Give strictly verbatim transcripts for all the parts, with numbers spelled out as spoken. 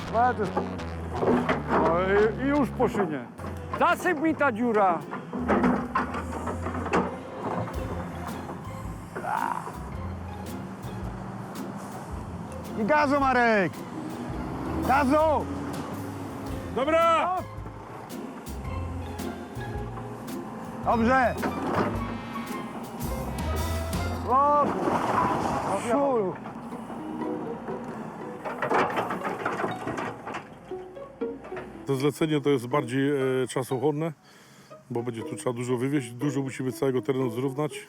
Bardzo. No i, i już po szynie. Zasyp mi ta dziura. I gazu, Marek! Gazu! Dobra! Dobrze! O, Szuru! To zlecenie to jest bardziej e, czasochłonne, bo będzie tu trzeba dużo wywieźć, dużo musimy całego terenu zrównać.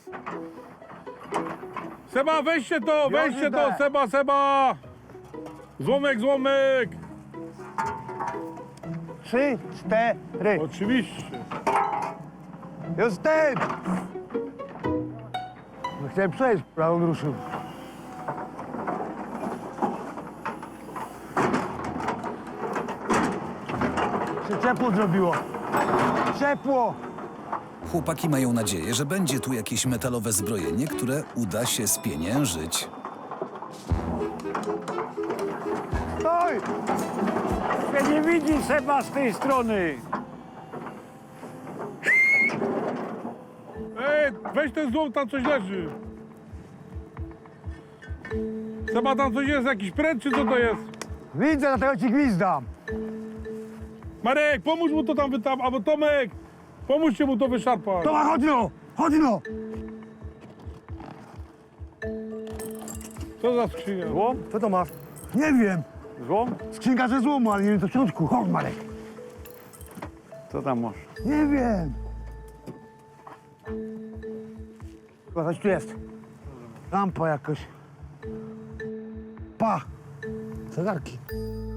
Seba, weźcie to, weźcie idę. to, Seba, Seba! Złomek, złomek! Trzy, cztery. Oczywiście. Jestem! No chciałem przejść, ale on ruszył. Się ciepło zrobiło. Ciepło! Chłopaki mają nadzieję, że będzie tu jakieś metalowe zbrojenie, które uda się spieniężyć. Stoj! mnie nie widzi Seba z tej strony. Ej, weź ten złom, tam coś leży. Seba, tam coś jest, jakiś pręt, czy co to jest? Widzę, dlatego ci gwizdam. Marek, pomóż mu to tam wytam, albo Tomek, pomóżcie mu to wyszarpać. Toma, chodź no! Chodź no! Co za skrzynia? Złom? Co to masz? Nie wiem. Złom? Skrzynka ze złomu, ale nie wiem co w środku. Chodź, Marek. Co tam masz? Nie wiem. Chyba coś tu jest. Lampa jakoś. Pa! Zegarki.